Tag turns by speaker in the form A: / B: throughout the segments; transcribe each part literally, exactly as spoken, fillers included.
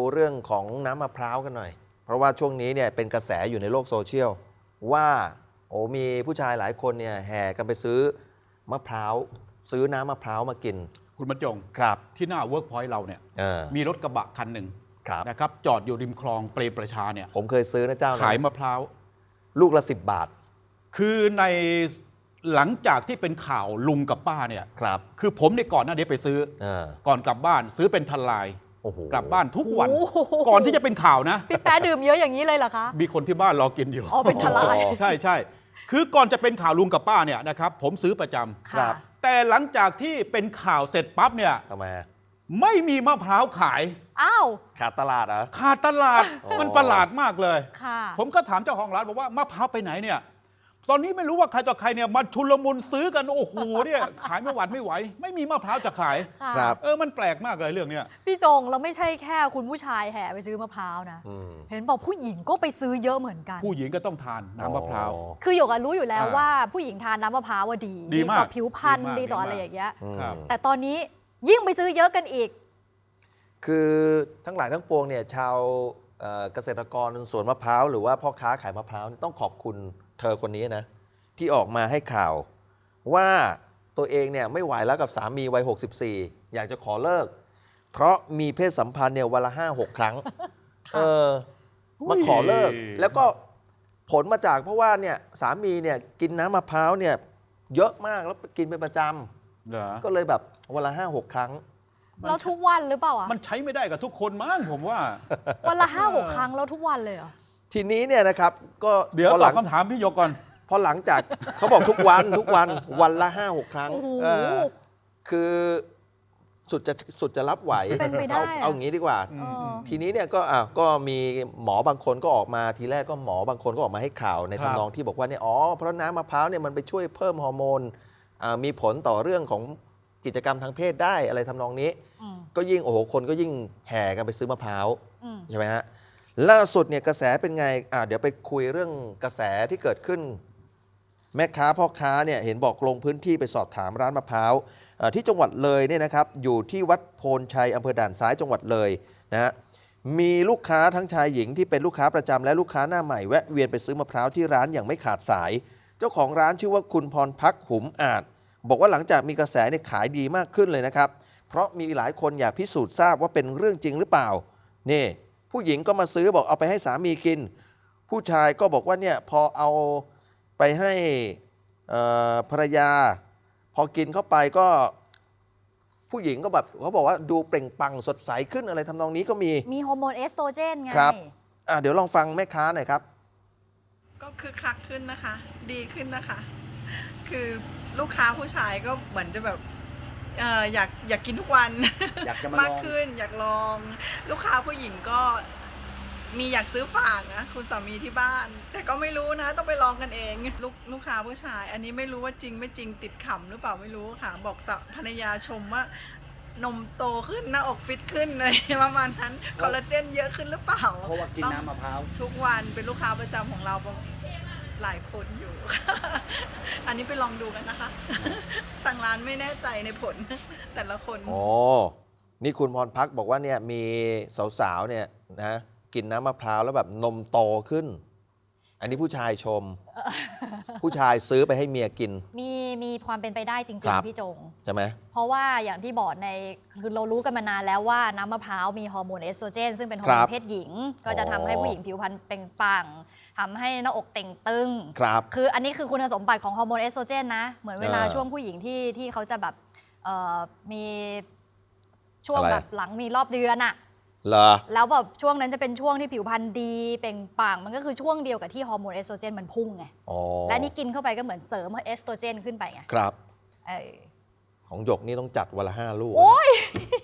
A: เรื่องของน้ำมะพร้าวกันหน่อยเพราะว่าช่วงนี้เนี่ยเป็นกระแสอยู่ในโลกโซเชียลว่าโอ้มีผู้ชายหลายคนเนี่ยแห่กันไปซื้อมะพร้าวซื้อน้ำมะพร้าวมากิน
B: คุณบรรจง
A: ครับ
B: ที่หน้าเวิร์กพอยต์เราเนี่ยมีรถกระบะคันหนึ่งนะครับจอดอยู่ริมคลองเปรมประชาเนี่ย
A: ผมเคยซื้อนะเจ้า
B: ขายมะพร้าว
A: ลูกละสิบบาท
B: คือในหลังจากที่เป็นข่าวลุงกับป้าเนี่ย
A: ครับ
B: คือผมในก่อนหน้านี้ไปซื้อก่อนกลับบ้านซื้อเป็นทันลายกลับบ้านทุกวันก่อนที่จะเป็นข่าวนะ
C: พี่แป๊ะดื่มเยอะอย่างนี้เลยเหรอคะ
B: มีคนที่บ้านรอกินอยู่
C: อ๋อเป็นทลาย
B: ใช่ใช่คือก่อนจะเป็นข่าวลุงกับป้าเนี่ยนะครับผมซื้อประจำ
A: ครับ
B: แต่หลังจากที่เป็นข่าวเสร็จปั๊บเนี่ย
A: ทำไม
B: ไม่มีมะพร้าวขาย
C: อ้าว
A: ขาดตลาดเหรอ
B: ขาดตลาดมันประหลาดมากเลย
C: ค่ะ
B: ผมก็ถามเจ้าของร้านบอกว่ามะพร้าวไปไหนเนี่ยตอนนี้ไม่รู้ว่าใครต่อใครเนี่ยมาชุลมุนซื้อกันโอ้โหเนี่ยขายไม่หวัดไม่ไหวไม่มีมะพร้าวจะขาย
A: ครับ
B: เออมันแปลกมากเลยเรื่องเนี้ย
C: พี่จงเราไม่ใช่แค่คุณผู้ชายแห่ไปซื้อมะพร้าวนะเห็นบอกผู้หญิงก็ไปซื้อเยอะเหมือนกัน
B: ผู้หญิงก็ต้องทานน้ำมะพร้าว
C: คือหยกรู้อยู่แล้วว่าผู้หญิงทานน้ำมะพร้าวว่าดี
B: ดีต่
C: อผิวพรรณดีต่ออะไรอย่างเงี้ยแต่ตอนนี้ยิ่งไปซื้อเยอะกันอีก
A: คือทั้งหลายทั้งปวงเนี่ยชาวเกษตรกรสวนมะพร้าวหรือว่าพ่อค้าขายมะพร้าวต้องขอบคุณเธอคนนี้นะที่ออกมาให้ข่าวว่าตัวเองเนี่ยไม่ไหวแล้วกับสามีวัยหกสิบสี่อยากจะขอเลิกเพราะมีเพศสัมพันธ์เนี่ยวันละห้าหกครั้งเออมาขอเลิกแล้วก็ผลมาจากเพราะว่าเนี่ยสามีเนี่ยกินน้ำมะพร้าวเนี่ยเยอะมากแล้วกินเป็นประจำก็เลยแบบวันละห้าหกครั้ง
C: แล้วทุกวันหรือเปล่าอ่ะ
B: มันใช้ไม่ได้กับทุกคนมั้งผมว่า
C: วันละห้าหกครั้งแล้วทุกวันเลยเหรอ
A: ทีนี้เนี่ยนะครับก็
B: เดี๋ยวตอบคำถามพี่โยก่อน
A: พอหลังจากเขาบอกทุกวันทุกวันวันละห้าหกครั้งคือสุดจะสุดจะรับไหวเอาเอาอย่างนี้ดีกว่าทีนี้เนี่ยก็อ่ะก็มีหมอบางคนก็ออกมาทีแรกก็หมอบางคนก็ออกมาให้ข่าวในทำนองที่บอกว่าเนี่ยอ๋อเพราะน้ำมะพร้าวเนี่ยมันไปช่วยเพิ่มฮอร์โมนมีผลต่อเรื่องของกิจกรรมทางเพศได้อะไรทำนองนี้ก็ยิ่งโอ้โหคนก็ยิ่งแห่กันไปซื้อมะพร้าวใช่ไหมฮะล่าสุดเนี่ยกระแสเป็นไงอ่ะเดี๋ยวไปคุยเรื่องกระแสที่เกิดขึ้นแม่ค้าพ่อค้าเนี่ยเห็นบอกลงพื้นที่ไปสอบถามร้านมะพร้าวที่จังหวัดเลยเนี่ยนะครับอยู่ที่วัดโพนชัยอำเภอด่านซ้ายจังหวัดเลยนะฮะมีลูกค้าทั้งชายหญิงที่เป็นลูกค้าประจำและลูกค้าหน้าใหม่แวะเวียนไปซื้อมะพร้าวที่ร้านอย่างไม่ขาดสายเจ้าของร้านชื่อว่าคุณพรพักหุมอาจบอกว่าหลังจากมีกระแสเนี่ยขายดีมากขึ้นเลยนะครับเพราะมีหลายคนอยากพิสูจน์ทราบว่าเป็นเรื่องจริงหรือเปล่านี่ผู้หญิงก็มาซื้อบอกเอาไปให้สามีกินผู้ชายก็บอกว่าเนี่ยพอเอาไปให้ภรรยาพอกินเข้าไปก็ผู้หญิงก็แบบเขาบอกว่าดูเปล่งปลั่งสดใสขึ้นอะไรทำนองนี้ก็มี
C: มีฮอร์โมนเอสโตรเจนไง
A: ครับอ่ะเดี๋ยวลองฟังแม่ค้าหน่อยครับ
D: ก็คือคักขึ้นนะคะดีขึ้นนะคะคือลูกค้าผู้ชายก็เหมือนจะแบบเอ่ออยากอยากกินทุกวัน
A: อยากจะมามาก
D: ขึ้นอยากลองลูกค้าผู้หญิงก็มีอยากซื้อฝากนะคุณสามีที่บ้านแต่ก็ไม่รู้นะต้องไปลองกันเองลูกลูกค้าผู้ชายอันนี้ไม่รู้ว่าจริงไม่จริงติดขำหรือเปล่าไม่รู้ค่ะบอกภรรยาชมว่านมโตขึ้นหน้าอกฟิตขึ้นเลยประมาณนั้นคอลลาเจนเยอะขึ้นหรือเปล่า
A: เพราะว่ากินน้ำมะพร้าว
D: ทุกวันเป็นลูกค้าประจำของเราหลายคนอยู่อันนี้ไปลองดูกันนะคะทางร้านไม่แน่ใจในผลแต่ละคน
A: โอ้นี่คุณพรพักบอกว่าเนี่ยมีสาวๆเนี่ยนะกินน้ำมะพร้าวแล้วแบบนมโตขึ้นอันนี้ผู้ชายชมผู้ชายซื้อไปให้เมียกิน
C: มีมีความเป็นไปได้จริงๆพี่จง
A: ใช่ไหม
C: เพราะว่าอย่างที่บอกในคือเรารู้กันมานานแล้วว่าน้ำมะพร้าวมีฮอร์โมนเอสโตรเจนซึ่งเป็นฮอร์โมนเพศหญิงก็จะทำให้ผู้หญิงผิวพรรณเปล่งปลั่งทำให้หน้าอกเต่งตึง
A: ครับ
C: คืออันนี้คือคุณสมบัติของฮอร์โมนเอสโตรเจนนะเหมือนเวลาช่วงผู้หญิงที่ที่เขาจะแบบมีช่วงแบบหลังมีรอบเดือนอะแล้วแบบช่วงนั้นจะเป็นช่วงที่ผิวพรรณดีเปล่งปลั่งมันก็คือช่วงเดียวกับที่ฮอร์โมนเอสโตรเจนมันพุ่งไงและนี่กินเข้าไปก็เหมือนเสริมเอสโตรเจนขึ้นไปไง
A: ครับของหยกนี่ต้องจัดวันละห้าลูก
C: โอ้ย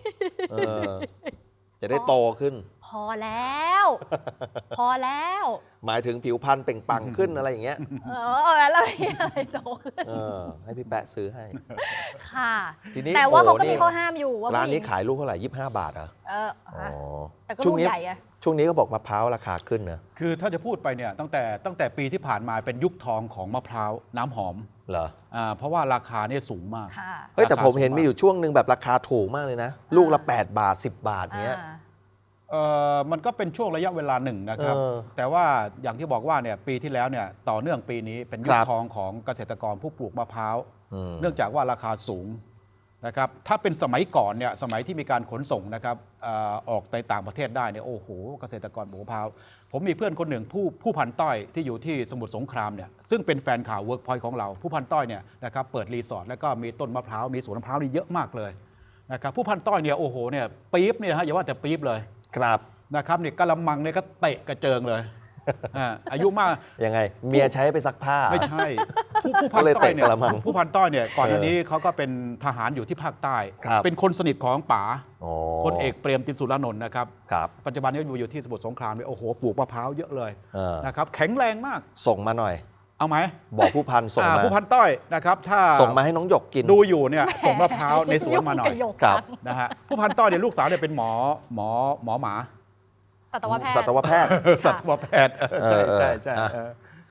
A: จะได้โตขึ้น
C: พอแล้วพอแล้ว
A: หมายถึงผิวพรรณเปล่งปลั่งขึ้นอะไรอย่างเงี้ย
C: เออแล้วอะไรโตขึ้น
A: ให้พี่แปะซื้อให้
C: ค่ะทีนี้แต่ว่าเขาก็มีข้อห้ามอยู่ว่า
A: ร้านนี้ขายลูกเท่าไหร่ยี่สิบห้าบาทเหรอ
C: เออแต่ก็ลูกใหญ่อะ
A: ช่วงนี้ก็บอกมะพร้าวราคาขึ้นนะ
B: คือถ้าจะพูดไปเนี่ยตั้งแต่ตั้งแต่ปีที่ผ่านมาเป็นยุคทองของมะพร้าวน้ำหอม
A: เหรอ
B: อ่าเพราะว่าราคาเนี่ยสูงมาก
A: เฮ้ยแต่ผมเห็นมีอยู่ช่วงหนึ่งแบบราคาถูกมากเลยนะลูกละแปดบาทสิบบาทเนี้ย
B: เออมันก็เป็นช่วงระยะเวลาหนึ่งนะครับ
A: เออ
B: แต่ว่าอย่างที่บอกว่าเนี่ยปีที่แล้วเนี่ยต่อเนื่องปีนี้เป็นยุ
A: ค
B: ครับ ทองของเกษตรกรผู้ปลูกมะพร้าว
A: อืม
B: เนื่องจากว่าราคาสูงนะครับถ้าเป็นสมัยก่อนเนี่ยสมัยที่มีการขนส่งนะครับเออออกในต่างประเทศได้เนี่ยโอ้โหเกษตรกรปลูกมะพร้าวผมมีเพื่อนคนหนึ่งผู้ผู้พันต้อยที่อยู่ที่สมุทรสงครามเนี่ยซึ่งเป็นแฟนข่าวเวิร์กพอยต์ของเราผู้พันต้อยเนี่ยนะครับเปิดรีสอร์ทแล้วก็มีต้นมะพร้าวมีสวนมะพร้าวนี่เยอะมากเลยนะครับผู้พันต้อยเนี่ยโอ้โหเนี่ยปี๊บเนี่ยฮะอย่าว่าแต่ปี๊บเลย
A: ครับ
B: นะครับนี่กะละมังเนี่ยก็เตะกระเจิงเลย อ่าอายุมาก
A: ยังไงเมียใช้ไปซักผ้า
B: ไม่ใช่ ผู้ผู้พั
A: ก็
B: น
A: เลย
B: ต้อยเนี่ย
A: เตะกะละมัง
B: ผู้พันต้อยเนี่ยก่อนหน้า
A: เออ
B: นี้เขาก็เป็นทหารอยู่ที่ภาคใต้
A: ครับ
B: เป็นคนสนิทของป๋า
A: อ๋อ
B: พลเอกเปรมตินสุรานนท์นะครับ
A: ครับ
B: ปัจจุบันนี้อยู่ที่สมุทรสงครามเนี่ยโอ้โหปลูกมะพร้าวเยอะเลย
A: เออ
B: นะครับแข็งแรงมาก
A: ส่งมาหน่อย
B: เอาไหม
A: บอกผู้พันส่ง
B: อ่า
A: มา
B: ผู้พันต้อยนะครับถ้า
A: ส่งมาให้น้องหยกกิน
B: ดูอยู่เนี่ยส่งมะพร้าวในสวนมาหน่อย
C: ยุ่งกับหยก
A: ครับ
C: จัง
B: นะฮะผู้พันต้อยเนี่ยลูกสาวเนี่ยเป็นหมอหมอหมอหมา
C: สัตวแพทย์
A: สัตวแพทย์
B: สัตวแพทย์เออใช่ใช่ใช่
A: เออ
B: ใช่
A: เออ
B: เออ